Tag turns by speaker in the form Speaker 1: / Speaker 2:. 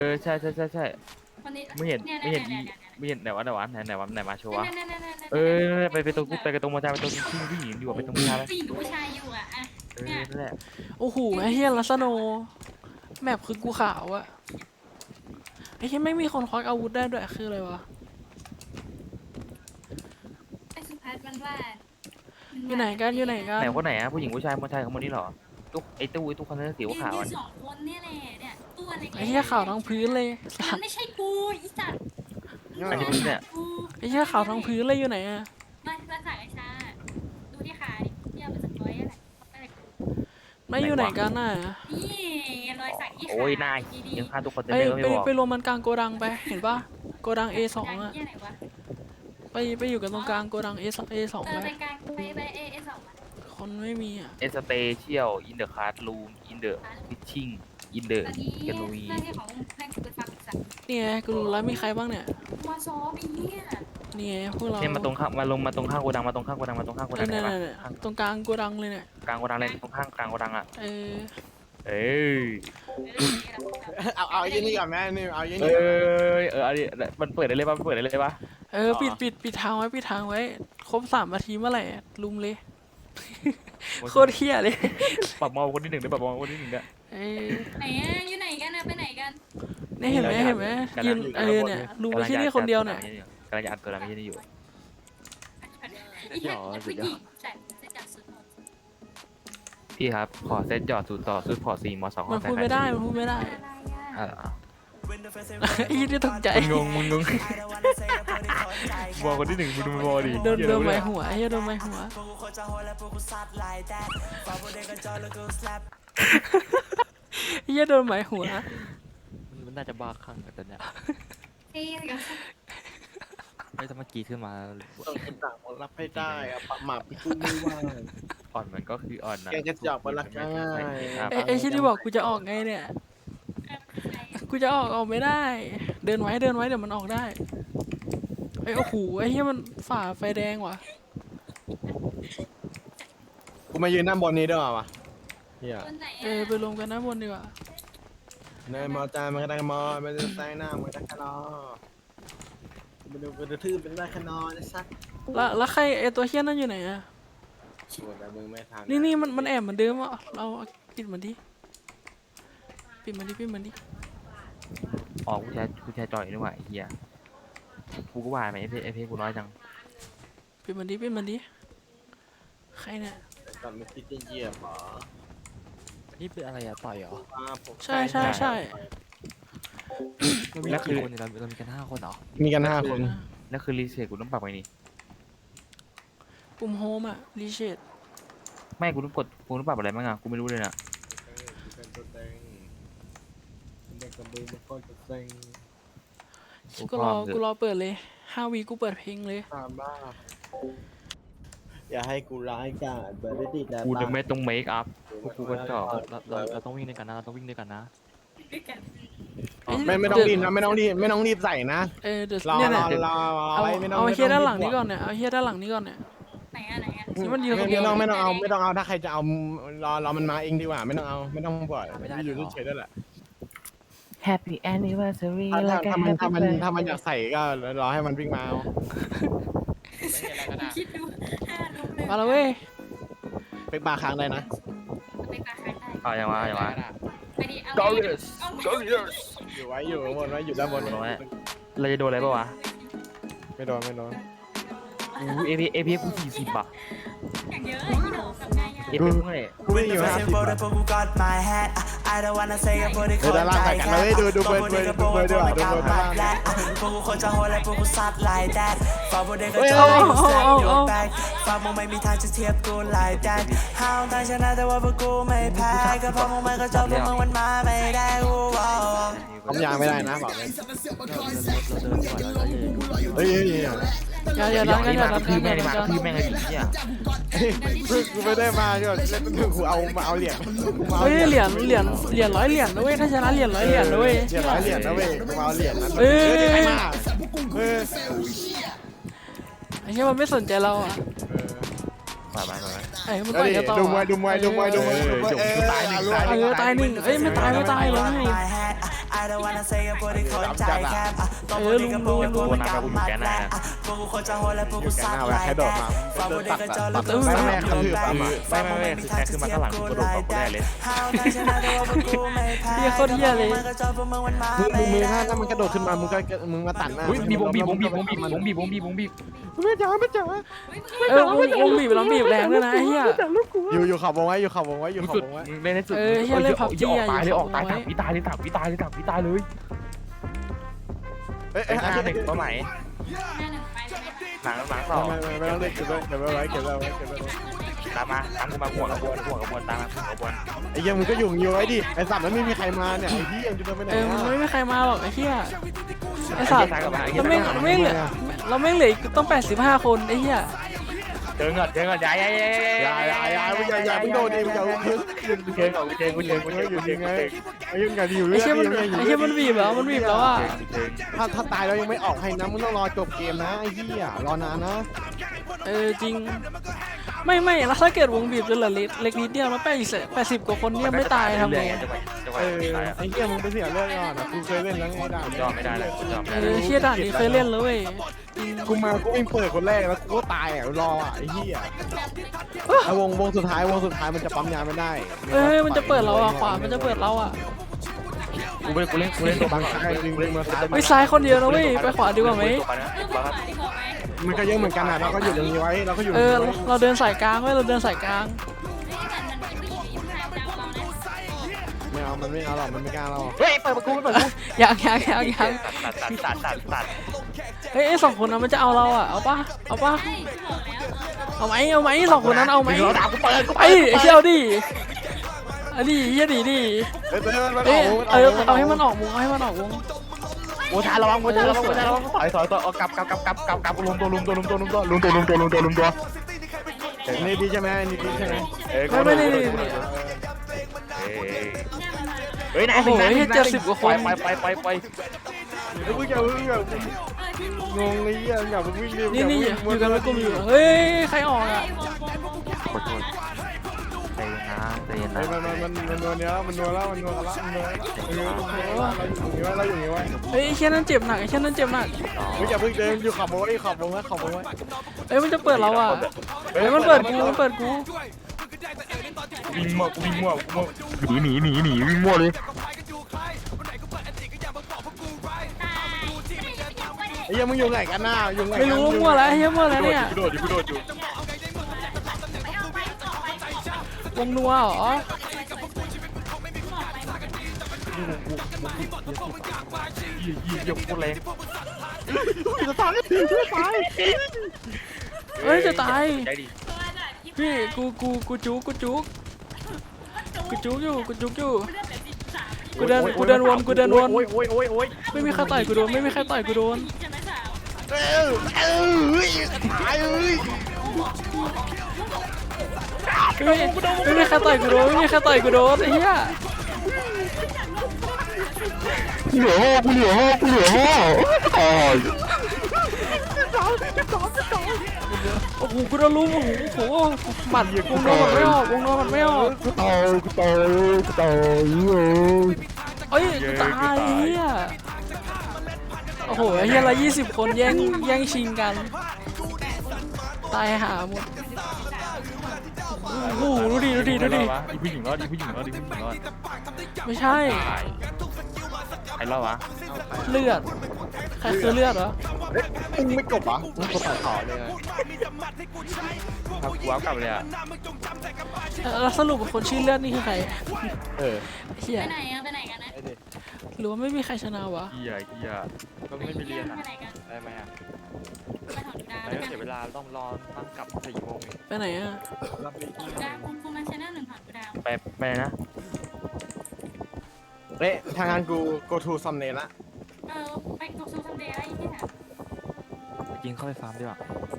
Speaker 1: ใช่ใช่ใช่ใช่
Speaker 2: คนนี้
Speaker 1: ไม่เห็น
Speaker 2: เนี่ย
Speaker 1: ไม่เห็นอี
Speaker 2: เนี่ยเนี่ยเนี่ย
Speaker 1: ไม่เห็นไหนวะโชว์วะ
Speaker 2: เนี่ยเนี่ยเนี่ย
Speaker 1: เออ
Speaker 2: เนี่ย
Speaker 1: ไปตรงไปกันตรงมอเตอร์ไปตรงผู้หญิงดีกว่าไปตรงผู้ชายไป
Speaker 2: ผู้หญิงกับผู้ชายอยู่อ่ะเนี่ย
Speaker 1: นั่นแหละ
Speaker 3: โอ้โหไอ้เฮียลัสโนแมปคือกูขาวอะไอ้เฮียไม่มีคนควักอาวุธได้ด้วยคืออะไรวะ
Speaker 2: ไอ้สุภัสมันว่า
Speaker 3: อยู่ไหนกันอยู่ไหนกัน
Speaker 1: ไหนคนไหนอะผู้หญิงผู้ชายคนคนนี้เหรอตู้ไอ้ตู้คนนั้นสี
Speaker 2: ยืน
Speaker 1: ขาว
Speaker 2: ยืนสองคนเนี่ยแหละเนี่ยตัวเล็ก
Speaker 3: ไอ้เฮียขาวทั้งพื้นเลยสั
Speaker 2: มั
Speaker 3: ต
Speaker 2: น
Speaker 3: ว์
Speaker 2: ไม่ใช่กูอีสัตว์
Speaker 1: อันนี้เนี่ย
Speaker 3: ไอ้เฮียขาวทั้งพื้นเลยอยู่ไหนอะ
Speaker 2: มาสั่งไอ้ชาดูที่ขาดิเนี่ยมันจะร้อยอะไร
Speaker 3: ไม่อยู่ไหนกันน่ะ
Speaker 2: นี่รอยสักที่ขา
Speaker 1: โอ้ยนาย
Speaker 2: ดี
Speaker 1: ยังฆ่าทุกคน
Speaker 3: ไป
Speaker 1: เต็มเลยไม่บอก
Speaker 3: ไปรวมมันกลางโกดังไปเห็นปะโกดัง A2 อะ
Speaker 2: ที่ไหนวะ
Speaker 3: ไปอยู่กันตรงกลางโกดัง A2
Speaker 2: เออ
Speaker 3: ไป
Speaker 2: ไปกลางไปเอสอง
Speaker 3: คนไม่มีอะ
Speaker 1: เอสเตเชียลอินเดอะคาร์ดรูมอินเดอะฟิชชิ่งอินเดอะ
Speaker 2: ตอนนี้
Speaker 1: แกนูวี
Speaker 2: หน้าที่ของให้กูไปฟังสัก
Speaker 3: นี่ไงกูรู้แล้วมีใครบ้างเนี่ย
Speaker 2: มาซ้อมอีเนี่ย
Speaker 3: นี่ไงพวกเรา
Speaker 1: เนี่ยมาตรงข้างมาลงมาตรงข้างโกดังมาตรงข้างโกดังมาตรงข้างโกดังไหน
Speaker 3: เนี่ย
Speaker 1: วะ
Speaker 3: เนี่ยตรงกลางโกดังเลยเนี่ย
Speaker 1: กลางโกดังเลยตรงข้างกลางโกดังอ่ะ
Speaker 3: เออ
Speaker 1: เอ้ย
Speaker 4: เอาไอ้ยี่นี่ก่อนแม่นี่เอาไอ้
Speaker 1: เอ
Speaker 4: นี่ก่อน้
Speaker 1: อันนี้มันเปิดได้เลยป่ะมันเปิดได้เลยป่ะ
Speaker 3: เออปิดทางไว้ปิดทางไว้ครบ3 นาทีเมื่อไหร่ลุมเลยโคตรเฮี้ยเลย
Speaker 1: ปรับมองคนที่หนึ่งได้ปรับมองคนที่หนึ่งได้
Speaker 3: เออ
Speaker 2: ไหนอะอยู่ไหนกันนะไปไหนกัน
Speaker 3: นี่เห็นไหมยืนเนี่ยลุงไปที่นี่คนเดียวเนี่ย
Speaker 1: กำลังจะอัดตัวนั้นไม่ใช่นี่อยู่
Speaker 2: ไอ้เหี้ยผู้หญิงใส่เสื้อจัดสุด
Speaker 1: พี่ครับขอเซตหยอดสูตรต่อสูตรพอ4ม2
Speaker 3: มันพูดไม่ได้มันพูดไม่ได้
Speaker 2: อะไรอ่ะ
Speaker 3: อีนี่ตกใจ
Speaker 1: มึงงงบอกคนที่หนึ่งมึงดูมันบอกดิ
Speaker 3: โดนไม้หัวไอ้เหี้ยโดนไม้หัวไอ้เหี้ยโดนไม้หัว
Speaker 5: มันน่าจะบ้าคลั่งกันแต่เนี้ย
Speaker 2: เท่เลย
Speaker 5: ไม่ต้องมากีขึ้นมา
Speaker 4: ต้องเป็นต่างรับให้ได้อะปะหมาพี่กูไม่ว่า
Speaker 1: อ่อนมันก็คืออ่อนนะ
Speaker 4: แกกระจอกมันละง่าย
Speaker 3: ไอ้ชิ้นที่บอกกูจะออกไงเนี่ยกูจะออกไม่ได้ เดินไว้เดี๋ยวมันออกได้ไอ้โอ้โหไอ้เหี้ยมันฝ่าไฟแดงว่ะ
Speaker 4: กูมายืนหน้าบนนี้ด้วยวะเฮีย
Speaker 2: คนไหน
Speaker 3: เออไปรวมกันด้านบนดีกว่า
Speaker 4: ในมอจามันก็ได้มอมันจะแซงหน้ามันก็ได้แค่รอมันดูกระทืบเป็นได้แค่นอนนะซัก
Speaker 3: แล้วใครไอ้ตัวเหี้ยนั่นอยู่ไหนอะ
Speaker 4: โหแต่มึงไม่ทัน
Speaker 3: นี่มันแอบเหมือนเดิมอ่ะเราปิดมันดิปิดมันดิ
Speaker 1: อ๋อกูแชร์จอยนี่หว่าไอ้เหี้ยกูก็ว่าไหมไอเพกูน้อยจัง
Speaker 3: ปิดมันดิใครเนี่ย
Speaker 4: ก่อนไม่คิดจะเหยียบหรอ
Speaker 5: นี่เป็นอะไรอะต่อยเหรอ
Speaker 3: ใช่
Speaker 5: เรามีกี่คนเนี่ยเรามีกัน5 คนเหรอ
Speaker 4: มีกัน5 คน
Speaker 1: นั่นคือรีเซ็ตกูต้องปรับไงนี่
Speaker 3: ปุ่มโฮมอะรีเชด
Speaker 1: ไม่กูต้องปรับอะไรบ้างอ่ะกูไม่รู้เลยนะ
Speaker 4: เป็นตัวเต็งเด็กกระบือมันก็จะเต็ง
Speaker 3: กูรอเปิดเลย5 วีกูเปิดเพลงเลย
Speaker 4: ตามบ้าอย่าให้กูร้ายกาจเบอร์ได้ดีแล้ว
Speaker 1: กูจะไม่ต้องเมคอัพพวกกูก็ชอบ
Speaker 5: เราต้องวิ่งด้วยกันนะเราต้องวิ่งด้วยกันนะ
Speaker 4: ไม่ต้องรีบนะไม่ต้องรีบใส่นะ
Speaker 3: เออเดี๋ยว
Speaker 4: รอ
Speaker 3: เนี่ย
Speaker 4: ร
Speaker 3: เนี่ย
Speaker 4: อรอ
Speaker 3: เอา
Speaker 4: ไว้ไม่ต้อง
Speaker 3: เอาเฮียด้านหลังนี้ก่อนเนี่ยเอาเฮียด้านหลังนี้ก่อนเนี่ย
Speaker 2: ไหนอ่ะ
Speaker 3: นี่มันยืนคนเดี
Speaker 4: ไม่
Speaker 3: ยว
Speaker 4: ต้องเอาถ้าใครจะเอารอมันมาเองดีกว่าไม่ต้องเอาไม่ต้องปล่อยอยู่เฉยๆได้แหละ
Speaker 1: Happy Anniversary
Speaker 4: ถ้ามันอยากใส่ก็รอให้มันวิ่งมาเอา
Speaker 2: คิดดู5ลูกเลย
Speaker 3: มาแล้วเว้ย
Speaker 4: ไปปาค้างได้นะ
Speaker 2: ไปปลาใครได้
Speaker 1: เอาอย่างวะ
Speaker 2: ไปดิเอา
Speaker 1: Go
Speaker 2: ไป
Speaker 1: yes
Speaker 2: เอาไป
Speaker 1: Go yes
Speaker 4: อยู่ข้างบนไว้อยู่ด้านบน
Speaker 1: เราจะโดนอะไรป่าวะ
Speaker 4: ไม่โดน
Speaker 1: อู้เอพีกู40อ่ะ
Speaker 2: อย่างเยอะอีโหนกับไงอ่ะ
Speaker 1: เอพีกูเท่าไหร่
Speaker 4: กูไม่อยู่50ด้านล่างใส่กันเลยดูเบอร์ด้วยดูเบอร์ด้านล่างเฮ้ย
Speaker 3: เอา
Speaker 6: ฝากมึงไม่มีทางจะเทียบกูหลายแดนห้าวทางชนะแต่ว่าพวกกูไม่แพ้ก็เพราะมึงไม่ก็ชอบพวกมึงมันมาไม่ได้กูว้าว
Speaker 4: ผมยางไม่ได้นะบอกเลย
Speaker 5: เราเดินก่อนเราเดินก่อน
Speaker 4: เฮ้ย
Speaker 3: อย่าดันกันอย่าดัน
Speaker 1: คือ
Speaker 3: กั
Speaker 1: แม่ง
Speaker 3: น
Speaker 1: เลยมาคือแม่งไอ้ผีเนี่ย
Speaker 4: กูไม่ได้มาก็เล่นเป็นกูเอามาเอาเหรียญ
Speaker 3: เฮ้ยเหรียญ100 เหรียญนะเว้ยถ้าชนะเหรียญ100 เหรียญนะเว้ย
Speaker 4: เหรียญ100 เหรียญนะเว้ยกูเอาเหรียญนั้น
Speaker 3: เอ้ย
Speaker 4: ใครมาเออ
Speaker 3: ไอ้เหี้ยมันไม่สนใจเราอ่ะ
Speaker 1: มา
Speaker 3: ไอ้มันต่อยกันต่อ
Speaker 4: ดูมวย
Speaker 1: ตายหนึ่ง
Speaker 3: ตายหนึ่งเอ้ยไม่ตายเลย
Speaker 6: I don't wanna say กับพวกที่คนใจแคบตัวพวกนี้ก็พวกเป็นพวกเป็นกำมัดแหละพวกกูคนจะโหดและพวกกูซัดไล่แดดฟังพวกนี้ก็เจอแล้วกูซัดกูแบกฟังพวกไม่มีทางจะเทียบกูไล่แดดห้าวทางชนะแต่ว่าพวกกูไม่แพ้ก็พวกมันก็จอพวกมึงมันมา
Speaker 4: มึงถ้ามันกระโดดขึ้นมามึงมาตัดหน้า
Speaker 1: มีบงบีบ
Speaker 4: ไม่จ๋าไม่จ๋าว
Speaker 3: งบีบแล้วบีบแรงด้วยนะไอ้เหี้ย
Speaker 4: อยู่ขับวงไว้อยู่ขับวงไว้อยู่ขับ
Speaker 1: สุด
Speaker 4: วงไว้
Speaker 1: เล่นให้สุด
Speaker 3: เหี้ยเล่น PUBG
Speaker 1: ออก
Speaker 3: อ่ะ
Speaker 1: ตายเลยออกตาย
Speaker 3: อยู่
Speaker 1: วิตายเลยตับวิตายเลย
Speaker 4: เอ้ย
Speaker 1: หน้าหนึ่งตัวใหม่
Speaker 2: หน้าหนึ่งไปเลย
Speaker 1: หลังสอง
Speaker 4: ไม่ต้องเล่นเก็บไว้
Speaker 1: ตามมาห่วงกระบวนตามมาห่วงกระบวน
Speaker 4: ไอ้ยังมึงก็อยู่ไว้ดิไอ้สัตว์นั้นไม่มีใครมาเนี่ยไอ้ที่ยังจะไปไหน
Speaker 3: มันไม่มีใครมาหรอกไอ้เหี้ยไอ้สัตว์เราไม่เหลือเราไม่เหลือต้อง85คนไอ้เหี้ย
Speaker 1: เจอเงินย้าย
Speaker 4: มึงอย่ามึงโดนดิมึงอย่าพึ่ง
Speaker 1: เจอ
Speaker 4: อยู่ยังไงไอ้ยังไงอยู่
Speaker 3: ไอ้เหี้ยมันบีบแล้วอ่ะ
Speaker 4: ถ้าตายแล้วยังไม่ออกให้นะมึงต้องรอจบเกมนะไอ้เหี้ยรอนานนะ
Speaker 3: จริงไม่แล้วถ้าเกิดวงบีบจนเหลือเล็กนิดเดียวแล้ว80กว่าคนเนี่ยไม่ตายทำไง
Speaker 4: ไอ้เหี้ยมึงไปเสียเรื่องก่อนนะกูเคยเล่นแล้วไงด่า
Speaker 1: ยอมไม่ได้เลยยอม
Speaker 3: เชี่ยด่านนี้เคยเล่นแล้วเว้ย
Speaker 4: กูวิ่งเปิดคนแรกแล้วกูก็ตายรอไอ้เหี้ยวงสุดท้ายมันจะปั๊มยาไม่ได้
Speaker 3: มันจะเปิดเราอ่ะขวามันจะเปิดเราอ่ะ
Speaker 1: กูเล่นตัว
Speaker 4: บางครั้งจริงๆมาซ้าย
Speaker 3: ไปซ้ายคนเดียวนะเว้ยไปขวาดีกว่าไหม
Speaker 4: มันก็เยอะเหมือนกันนะเราก็อยู่ตรงนี้ไว้เราก็อยู่
Speaker 3: เราเดินสายกลางไว้เราเดินสายกลาง
Speaker 4: ไม่เอามันไม่เอาหรอกมันไม่กล้าเรา
Speaker 1: เฮ้ยเปิดประตู
Speaker 3: ยัง
Speaker 1: ตัด
Speaker 3: เฮ้ย2คนนั้นมันจะเอาเราอ่ะเอาป่ะเอาไหม2คนนั้นเอาไหม
Speaker 1: ด่ากูเปิด
Speaker 3: ไอ้เชี่ยวดิอันนี้เฮียดิเอาให้มันออกวง
Speaker 1: โอ้ชาระวังถอยเอากลับรวมตัว
Speaker 4: นี่ดีใช่ไหมนี่ดีใช่ไหม
Speaker 3: ไม่
Speaker 1: เฮ้ยนาย
Speaker 3: โอ้โห70กว่าคน
Speaker 1: ไป
Speaker 4: มึงอย่างงงเลยอย่ามึงวิ่งเร็ว
Speaker 3: นี่อยู่กันไม่กลุ่มอยู่เฮ้ยใครออกอ่ะ
Speaker 1: ขอโทษใจเย็นนะ
Speaker 4: มันนัวเนี้ยมันนัวแล้วเราอยู่นี่ไว้
Speaker 3: เฮ้ยแค่นั้นเจ็บหนัก
Speaker 4: มึงอย่าเพิ่งเดินอยู่ขับวงไว้
Speaker 3: เฮ้ยมันจะเปิดเราอ่ะเฮ้ยมันเปิดกู
Speaker 1: วิ่งมั่วหนีวิ่งมั่วเลย
Speaker 4: ไอ้ยังมึงอยู่ไหนกันน่ะอยู่ไหน
Speaker 3: ไม่รู้มั่วแล้วเฮียมั่วแล้วเนี่ย
Speaker 1: กูโดดอยู่
Speaker 3: วงนัวเหรอ
Speaker 1: ยกพูดเลย
Speaker 4: จะตาย
Speaker 3: เฮ้ยจะตาย
Speaker 1: ใจดี
Speaker 3: พี่กูจุกอยู่กูเดินวนไม่มีใครต่อยกูโดนไม่มีใครต่อยกูโดน
Speaker 4: ตาย
Speaker 3: ไม่มีใครต่อยกูโดนไอ้เหี้ย
Speaker 1: กูเหลือห้อ
Speaker 3: โอ้โหกูโดนลุมโอ้โหหมัดวงนอนมันไม่ออก
Speaker 1: กูตาย
Speaker 3: เอ้ยกูตายเหี้ยโอ้โหเหี้ยละ20 คนแย่งชิงกันตายหาหมดโอ้โหดูดิ
Speaker 1: ผู้หญิงรอด
Speaker 3: ไม่ใช่
Speaker 1: ใครรอดวะ
Speaker 3: เลือดใครคือเลือดเหรอ
Speaker 4: มึงไม่จบอ่ะมึงกดตัดต่อเลย
Speaker 1: กูว้าวกลับเลยอ่ะ
Speaker 3: แล้วสรุปคนชื่อเลือดนี่คือใครเหี้ย
Speaker 2: ไปไหนกันนะ
Speaker 3: หรือว่าไม่มีใครชนะวะ
Speaker 1: เฮียก็ไม่มีเรียนอ่ะ
Speaker 2: ไปไหนกัน
Speaker 5: ได้ไหมอ่ะ
Speaker 2: ไปถอดดาว
Speaker 5: ไม่ต้องเสียเวลาต้องรอตั้งกลับ4 โมง
Speaker 3: ไปไหนอ่ะ
Speaker 2: ดาวคุณมาชนะ1ถอดดาว
Speaker 1: ไปนะ
Speaker 4: เละทางงานกู go to some เนละ
Speaker 2: ไปตกซูซัมเดย์อะไรที่ไหน
Speaker 5: กินเข้าไปฟาร์มดีกว่า